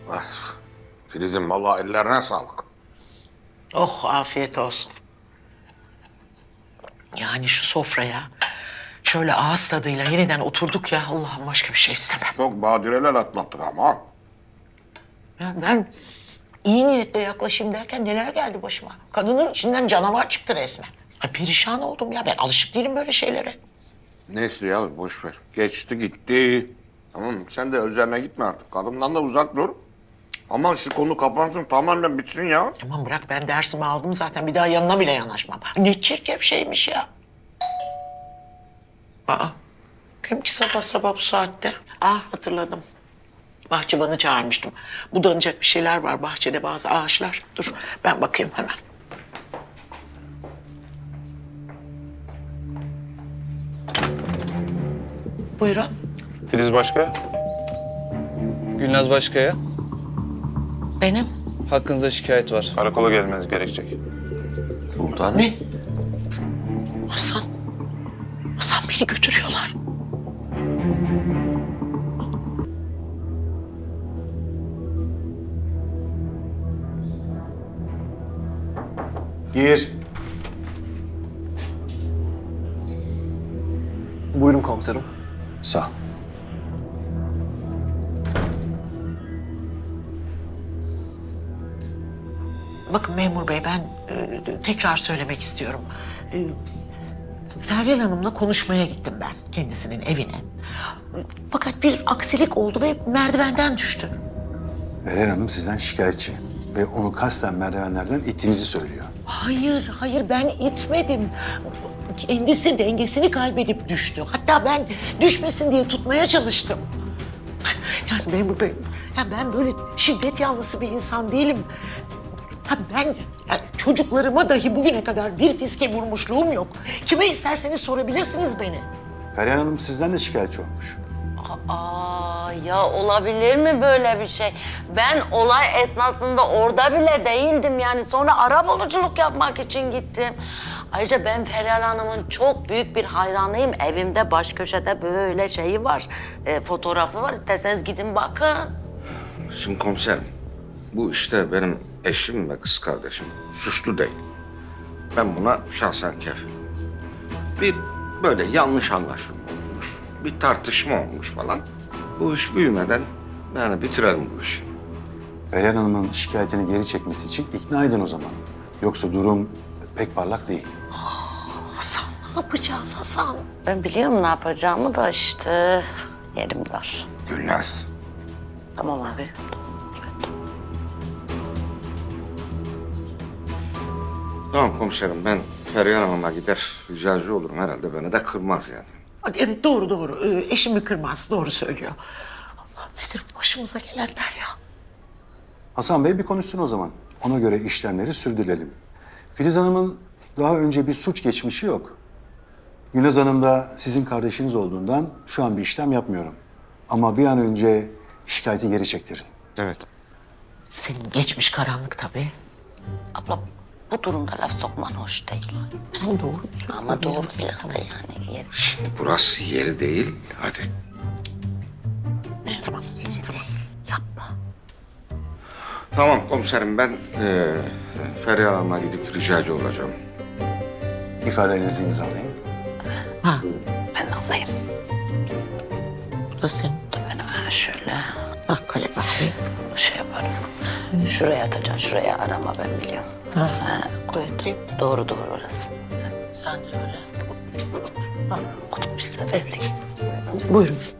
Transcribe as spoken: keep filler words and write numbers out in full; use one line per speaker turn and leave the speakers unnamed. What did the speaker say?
Ah, Filiz'im vallahi ellerine sağlık.
Oh afiyet olsun. Yani şu sofraya şöyle ağız tadıyla yeniden oturduk ya, Allah'ım başka bir şey istemem.
Çok badireler atlattık ama.
Ya ben iyi niyetle yaklaşayım derken neler geldi başıma. Kadının içinden canavar çıktı resmen. Ay perişan oldum ya, ben alışık değilim böyle şeylere.
Neyse ya boş ver. Geçti gitti. Tamam sen de üzerine gitme artık. Kadından da uzak dur. Aman şu konu kapansın tamamen bitsin ya.
Aman bırak, ben dersimi aldım zaten, bir daha yanına bile yanaşmam. Ne çirkef şeymiş ya. Aa, kim ki sabah sabah bu saatte? Ah hatırladım. Bahçıvanı çağırmıştım. Budanacak bir şeyler var bahçede, bazı ağaçlar. Dur ben bakayım hemen. Buyurun.
Filiz Başka,
Gülnaz Başkaya,
Benim.
hakkınızda şikayet var.
karakola gelmeniz gerekecek.
Sultanım.
Ne? Hasan. Hasan beni götürüyorlar.
Gir. Buyurun komiserim. Sağ.
Bakın memur bey, ben e, tekrar söylemek istiyorum. E, Feryal Hanım'la konuşmaya gittim ben kendisinin evine. Fakat bir aksilik oldu ve merdivenden düştü.
Meral Hanım sizden şikayetçi ve onu kasten merdivenlerden ittiğinizi söylüyor.
Hayır, hayır ben itmedim. Kendisi dengesini kaybedip düştü. Hatta ben düşmesin diye tutmaya çalıştım. Yani memur bey, ya ben böyle şiddet yanlısı bir insan değilim. Ha ben ya çocuklarıma dahi bugüne kadar bir fiske vurmuşluğum yok. Kime isterseniz sorabilirsiniz beni.
Feryal Hanım sizden de şikayetçi olmuş.
Aa, ya olabilir mi böyle bir şey? Ben olay esnasında orada bile değildim yani. Sonra arabuluculuk yapmak için gittim. Ayrıca ben Feryal Hanım'ın çok büyük bir hayranıyım. Evimde baş köşede böyle şeyi var, e, fotoğrafı var. İsterseniz gidin bakın.
Şimdi komiserim. Bu işte benim eşim ve kız kardeşim. Suçlu değil. Ben buna şahsen kefilim. Bir böyle yanlış anlaşılma olmuş. Bir tartışma olmuş falan. Bu iş büyümeden yani bitirelim bu işi.
Feryal Hanım'ın şikayetini geri çekmesi için ikna edin o zaman. Yoksa durum pek parlak değil.
Hasan, ne yapacağız Hasan?
Ben biliyorum ne yapacağımı da işte yerim var.
Gülnaz.
Tamam abi.
Tamam komiserim ben Feryal Hanım'a gider ricacı olurum herhalde beni de kırmaz yani.
Hadi evet doğru doğru. Ee, eşimi kırmaz, doğru söylüyor. Allah nedir başımıza gelenler ya?
Hasan Bey bir konuşsun o zaman. Ona göre işlemleri sürdürelim. Filiz Hanım'ın daha önce bir suç geçmişi yok. Gülnaz Hanım da sizin kardeşiniz olduğundan şu an bir işlem yapmıyorum. Ama bir an önce şikayeti geri çektirin.
Evet.
Senin geçmiş karanlık tabii.
Abla bu durumda laf sokman hoş değil.
Ama doğru.
Ama doğru filan da yani. Yer.
Şimdi burası yeri değil. Hadi.
Tamam. Yeri değil. Yapma.
Tamam komiserim ben e, Feryal Hanım'a gidip ricacı olacağım.
İfadelerinizi imzalayın.
Ha,
Ben alayım.
bu da senin.
Dur ben hemen şöyle
Bak kalem bakayım.
şey yaparım. Şuraya atacaksın, şuraya arama ben biliyorum.
Ha.
Ha, koy. Doğru doğru orası.
Sen de öyle. Ha,
Kutup bir seferlik.
buyurun.